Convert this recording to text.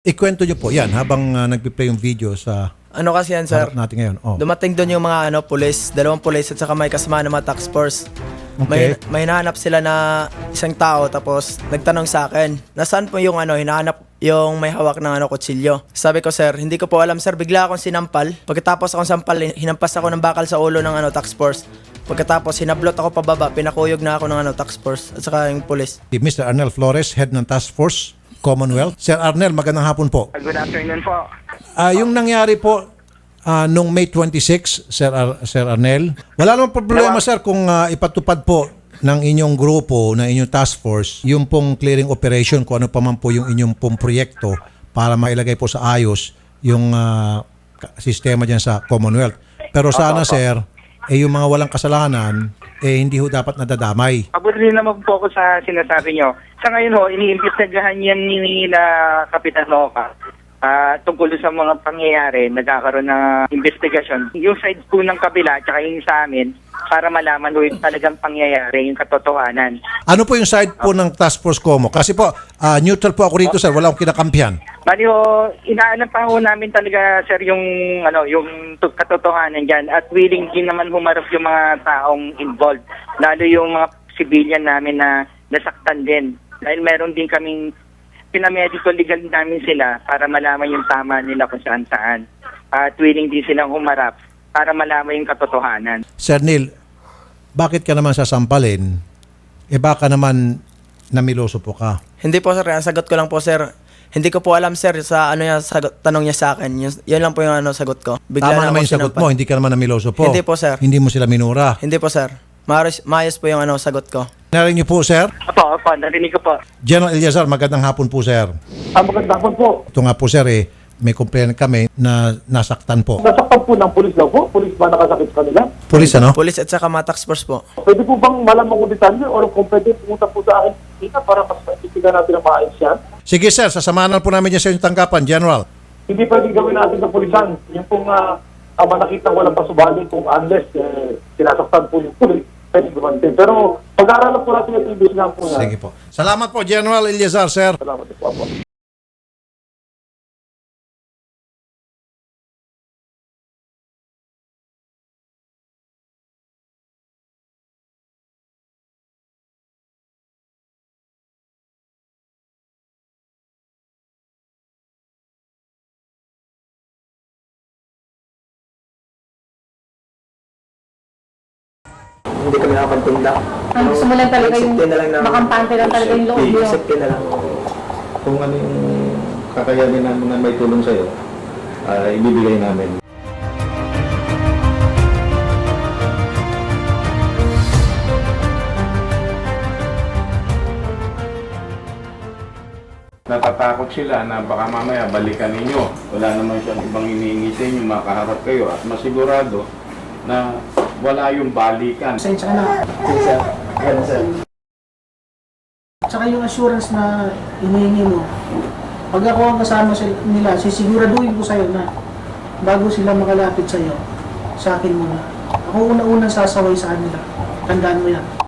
Ikwento nyo po yan habang nagpi-play yung video sa Ano kasi yan, sir? harap natin ngayon. Oh. Dumating doon yung mga pulis, dalawang pulis at saka may kasama ng mga task force. Okay. May hinahanap sila na isang tao tapos nagtanong sa akin, nasaan po yung hinahanap yung may hawak ng kutsilyo. Sabi ko, sir, hindi ko po alam, sir. Bigla akong sinampal. Pagkatapos akong sampal, hinampas ako ng bakal sa ulo ng task force. Pagkatapos hinablot ako pababa, pinakuyog na ako ng task force at saka yung pulis. Mr. Arnel Flores, Head ng Task Force Commonwealth. Sir Arnel, magandang hapon po. Good afternoon po. Yung nangyari po nung May 26, Sir Arnel, wala namang problema, sir, kung ipatupad po ng inyong grupo, ng inyong task force, yung pong clearing operation, kung ano pa man po yung inyong pong proyekto para mailagay po sa ayos yung sistema dyan sa Commonwealth. Pero sana, sir, yung mga walang kasalanan, hindi ho dapat nadadamay. Abot rin naman po ako sa sinasabi nyo. Sa ngayon ho, iniimbestigahan yan ni Kapitan Loca. Tungkol sa mga pangyayari, nagkakaroon ng investigasyon. Yung side po ng kabila at yung sa amin, para malaman ho yung talagang pangyayari, yung katotohanan. Ano po yung side po ng Task Force Como? Kasi po, neutral po ako rito, sir. Wala akong kinakampihan. Bali ho, inaalam pa ho namin talaga, sir, yung katotohanan dyan. At willing din naman humarap yung mga taong involved. Lalo yung mga civilian namin na nasaktan din. Dahil meron din kaming pinamedical legal namin sila para malaman yung tama nila kung saan-saan. At willing din silang humarap para malaman yung katotohanan. Sir Neil, bakit ka naman sasampalin? Baka naman namiloso po ka. Hindi po, sir. Ang sagot ko lang po, sir. Hindi ko po alam, sir, sa tanong niya sa akin. Yan lang po yung sagot ko. Bigla Tama na naman ako yung sagot sinampal. mo, hindi ka naman namiloso po. Hindi po, sir. Hindi mo sila minura. Hindi po, sir. Maayos po yung sagot ko. Narinig niyo po, sir? Opo, narinig ko po. General Eliazar, magandang hapon po, sir. Magandang hapon po. Ito nga po, sir, may complaint kami na nasaktan po. Nasaktan po ng pulis daw po? Pulis ba nakasakit sa kanila? Police, ano? Pulis at saka mga task force po. Pwede po bang malaman kung detalye o kung pwede pumunta po sa akin dito para mas maitigan natin ang maayos yan? Sige, sir, sasamahan po namin niya sa inyong tanggapan, General. Hindi pwedeng gawin natin sa pulisan. Yung pong nakita walang pasubali kung unless sinasaktan po yung pulis, pwede gumantin. Pero pag-aaralan po natin yung investigahan po yan. Sige po. Salamat po, General Eliazar, sir. Salamat po. Hindi kami nakapagtinda. Gusto mo lang talaga yung Acceptin na lang namin. makampante lang talaga yung loob mo. Acceptin na lang. Kung ano yung kakayanin namin na may tulong sa'yo, ibibigay namin. Natatakot sila na baka mamaya balikan ninyo. Wala naman siyang ibang hinihingi sa inyo, makaharap kayo at masigurado na wala yung balikan. Pasensya ka na. Sir, ganun sir. Tsaka yung assurance na hinihingi mo, pag ako ang kasama nila, sisiguraduhin ko sa'yo na bago sila makalapit sa'yo, sa akin muna. Ako una-unang sasaway sa kanila. Tandaan mo yan.